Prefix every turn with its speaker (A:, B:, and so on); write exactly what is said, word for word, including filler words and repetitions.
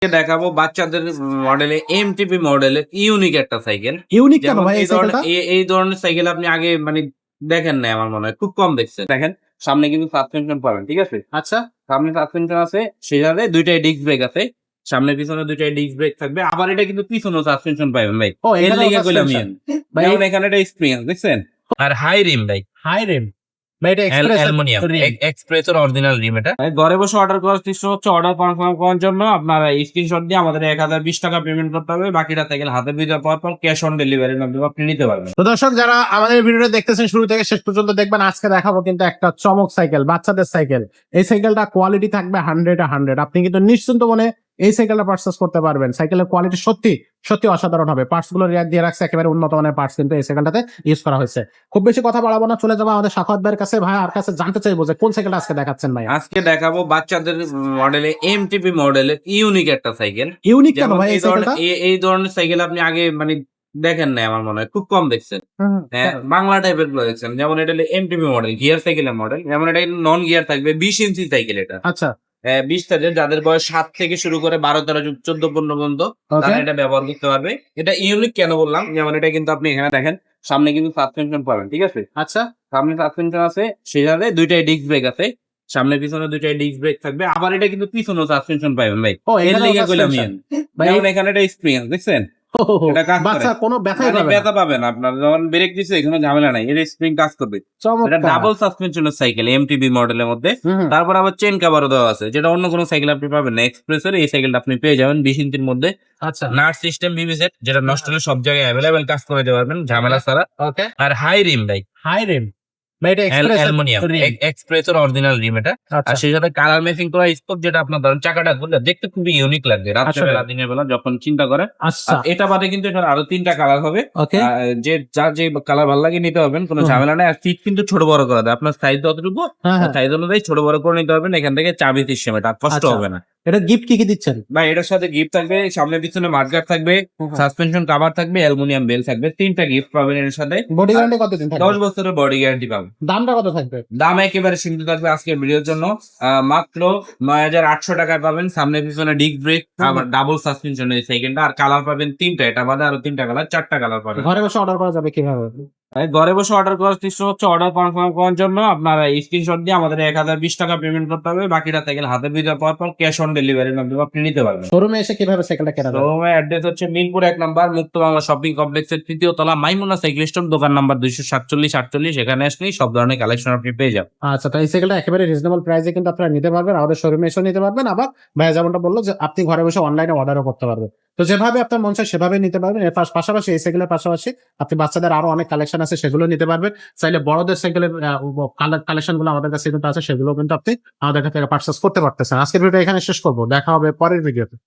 A: দেখাবো বাচ্চাদের মডেলে এমটিপি মডেলের ইউনিক একটা সাইকেল।
B: ইউনিক কেন
A: যেমন
B: ভাই এই
A: এই ধরনের
B: সাইকেলটা?
A: এ- এই ধরনের সাইকেল আপনি আগে মানে দেখেন নাই আমার মনে হয়, খুব কম দেখছেন। দেখেন সামনে কিন্তু সাসপেনশন পাবেন, ঠিক আছে?
B: আচ্ছা।
A: সামনে সাসপেনশন আছে, সেখানে দুইটাই ডিস্ক ব্রেক আছে। সামনে পিছনে দুইটাই ডিস্ক ব্রেক থাকবে, আবার এটা কিন্তু পিছনেও সাসপেনশন পাবেন ভাই।
B: ও
A: এর
B: এখানেও
A: লিগে কইলাম
B: সাসপেনশন।
A: ইয়েন।
B: ভাই
A: যেমন এখানে একটা স্প্রিং দেখছেন, আর হাই রিম ভাই,
B: হাই রিম। ভাই এটা এক্সপ্রেস
A: অ্যালুমিনিয়াম
B: রিম।
A: এক্সপ্রেসের অরিজিনাল রিম এটা। ভাই ঘরে বসে অর্ডার করার সিস্টেম হচ্ছে, অর্ডার কনফার্ম করার জন্য আপনারা স্ক্রিনশট দিয়ে আমাদের এক হাজার বিশ টাকা পেমেন্ট করতে হবে, বাকিটা সাইকেল হাতে পেয়ে যাওয়ার পর ক্যাশ অন ডেলিভারির মাধ্যমে আপনি নিতে পারবেন।
B: তো দর্শক যারা আমাদের ভিডিওটা দেখতেছেন শুরু থেকে শেষ পর্যন্ত দেখবেন, আজকে দেখাবো কিন্তু একটা চমক সাইকেল, বাচ্চাদের সাইকেল। এই সাইকেলটা কোয়ালিটি থাকবে হান্ড্রেড হান্ড্রেড। আপনি কিন্তু নিশ্চিন্ত মনে এই সাইকেলটা পারচেস করতে পারবেন। সাইকেলের কোয়ালিটি সত্যি সত্যি অসাধারণ হবে। পার্টস গুলো রিয়ার দিয়ে রাখছে, একেবারে উন্নত মানের পার্টস কিন্তু এই সাইকেলটাতে ইউজ করা হয়েছে। খুব বেশি কথা বাড়াবো না, চলে যাবো আমাদের সাখাওয়াত ভাইয়ের কাছে। ভাই আর কাছে জানতে চাইবো যে কোন সাইকেলটা আজকে দেখাচ্ছেন ভাই?
A: আজকে দেখাবো বাচ্চাদের মডেলে এমটিপি মডেলের ইউনিক একটা সাইকেল।
B: ইউনিক কেন
A: যেমন
B: ভাই
A: এই
B: এই
A: ধরনের
B: সাইকেলটা?
A: এই- এই ধরনের সাইকেল আপনি আগে মানে দেখেন নাই আমার মনে হয়, খুব কম দেখছেন।
B: হুম,
A: হ্যাঁ, বাংলা টাইপের গুলো দেখছেন। যেমন এটা হলো এমটিপি মডেল, গিয়ার সাইকেলের মডেল। যেমন এটা নন গিয়ার থাকবে, বিশ ইঞ্চি সাইকেল এটা।
B: আচ্ছা।
A: হ্যাঁ, বিশ থেকে যাদের বয়স সাত থেকে শুরু করে বারো তেরো চোদ্দ পনেরো পর্যন্ত
B: ওকে।
A: তারা এটা ব্যবহার করতে পারবে। এটা ইউনিক কেন বললাম, যেমন এটা কিন্তু আপনি এখানে দেখেন সামনে কিন্তু সাসপেনশন পাবেন, ঠিক আছে?
B: আচ্ছা।
A: সামনে সাসপেনশন আছে, সেখানে দুইটাই ডিস্ক ব্রেক আছে। সামনে পিছনে দুইটাই ডিস্ক ব্রেক থাকবে, আবার এটা কিন্তু পিছনেও সাসপেনশন পাবেন ভাই।
B: ও
A: এর
B: এখানেও
A: লিগে কইলাম
B: সাসপেনশন।
A: ইয়েন।
B: ভাই
A: যেমন এখানে একটা স্প্রিং দেখছেন,
B: ও, হো, হো,
A: এটা কাজ করে।
B: বাচ্চা কোনো ব্যথাই
A: মানে
B: পাবে না।
A: ব্যথা পাবেন আপনার যখন ব্রেক দিচ্ছে, এখানে ঝামেলা নাই, এর স্প্রিং কাজ করবে। এটা
B: চমৎকার।
A: ডাবল সাসপেনশনের সাইকেল এমটিবি মডেলের মধ্যে।
B: হুম, হুম।
A: তারপর আবার চেন কাভারও দেওয়া আছে, যেটা অন্য কোনো সাইকেল আপনি পাবেন না। এক্সপ্রেসের এই সাইকেলটা আপনি পেয়ে যাবেন বিশ ইঞ্চির মধ্যে।
B: আচ্ছা।
A: নাট সিস্টেম বিবি সেট, যেটা নষ্ট হলে সব জায়গায় অ্যাভেলেবেল কাজ করে দিতে পারবেন ঝামেলা ছাড়া।
B: ওকে।
A: আর হাই রিম ভাই,
B: হাই রিম। ভাই এটা এক্সপ্রেস
A: অ্যালুমিনিয়াম
B: রিম।
A: এক্সপ্রেসের অরিজিনাল রিম এটা। আর
B: আচ্ছা।
A: সেই সাথে কালার ম্যাচিং করা স্পোক, যেটা আপনার ধরেন চাকাটা ঘুরলে দেখতে খুবই ইউনিক লাগবে রাত্রেবেলা
B: আসলে।
A: দিনের বেলা যখন চিন্তা করেন।
B: আচ্ছা।
A: আর এটা বাদে কিন্তু এটার আরো তিনটা কালার হবে।
B: ওকে।
A: আহ, যে যার যে কালার ভালো লাগে নিতে পারবেন, কোনো
B: হুম।
A: ঝামেলা নাই। আর সিট কিন্তু ছোট বড় করা যায়, আপনার সাইজ যতটুকু
B: হ্যাঁ, হ্যাঁ।
A: সাইজ অনুযায়ী ছোট বড় করে নিতে পারবেন। এখান থেকে চাবি সিস্টেম, এটা আর কষ্ট
B: আচ্ছা।
A: হবে না
B: এটা গিফট কি কি দিচ্ছেন?
A: ভাই। এটার সাথে গিফট থাকবে, সামনে পিছনে মাঠগার্ড থাকবে, সাসপেনশন কভার থাকবে, অ্যালুমিনিয়াম বেল থাকবে। তিনটা গিফট পাবেন এর সাথে।
B: বডি গ্যারান্টি কতদিন
A: দশ
B: থাকবে?
A: বছরের বডি গ্যারান্টি পাবেন।
B: দামটা কত থাকবে?
A: দাম একেবারে সীমিত থাকবে আজকের ভিডিওর জন্য। আহ, মাত্র নয় হাজার আটশো টাকায় পাবেন। সামনে পিছনে ডিস্ক ব্রেক, আবার ডাবল সাসপেনশন এই সাইকেলটা। আর কালার পাবেন তিনটা, এটা বাদে আরো তিনটা কালার, চারটা কালার পাবেন।
B: ঘরে বসে অর্ডার করা যাবে কিভাবে?
A: ভাই ঘরে বসে অর্ডার করার সিস্টেম হচ্ছে, অর্ডার কনফার্ম করার জন্য আপনারা স্ক্রিনশট দিয়ে আমাদের এক হাজার বিশ টাকা পেমেন্ট করতে হবে, বাকিটা সাইকেল হাতে পেয়ে যাওয়ার পর ক্যাশ অন ডেলিভারির মাধ্যমে আপনি নিতে পারবেন।
B: শোরুমে এসে কিভাবে সাইকেলটা কেনা যাবে?
A: শোরুমের অ্যাড্রেস হচ্ছে মিরপুর এক নাম্বার মুক্ত বাংলা শপিং কমপ্লেক্সের তৃতীয় তলা, মাইমুনা সাইকেল স্টোর, দোকান নাম্বার দুইশো সাতচল্লিশ আটচল্লিশ। এখানে আসলেই সব ধরনের কালেকশন আপনি পেয়ে যাবেন।
B: আচ্ছা, তো এই সাইকেলটা একেবারে রিজনেবল প্রাইসে কিন্তু আপনারা নিতে পারবেন, আমাদের শোরুমে এসে নিতে পারবেন। আবার ভাইয়া যেমনটা বললো যে আপনি ঘরে বসে অনলাইনে অর্ডারও করতে পারবেন। তো যেভাবে আপনার মন চায় সেভাবে নিতে পারবেন। এর পাশ- পাশাপাশি এই সাইকেলের পাশাপাশি আপনি বাচ্চাদের আরো অনেক কালেকশন আছে, সেগুলো নিতে পারবেন। চাইলে বড়দের সাইকেলের কালেকশন গুলো আমাদের কাছে কিন্তু আছে, সেগুলো কিন্তু আপনি আমাদের কাছ থেকে পার্চেস করতে পারতেছেন। আজকের ভিডিও এখানে শেষ করবো, দেখা হবে পরের ভিডিওতে।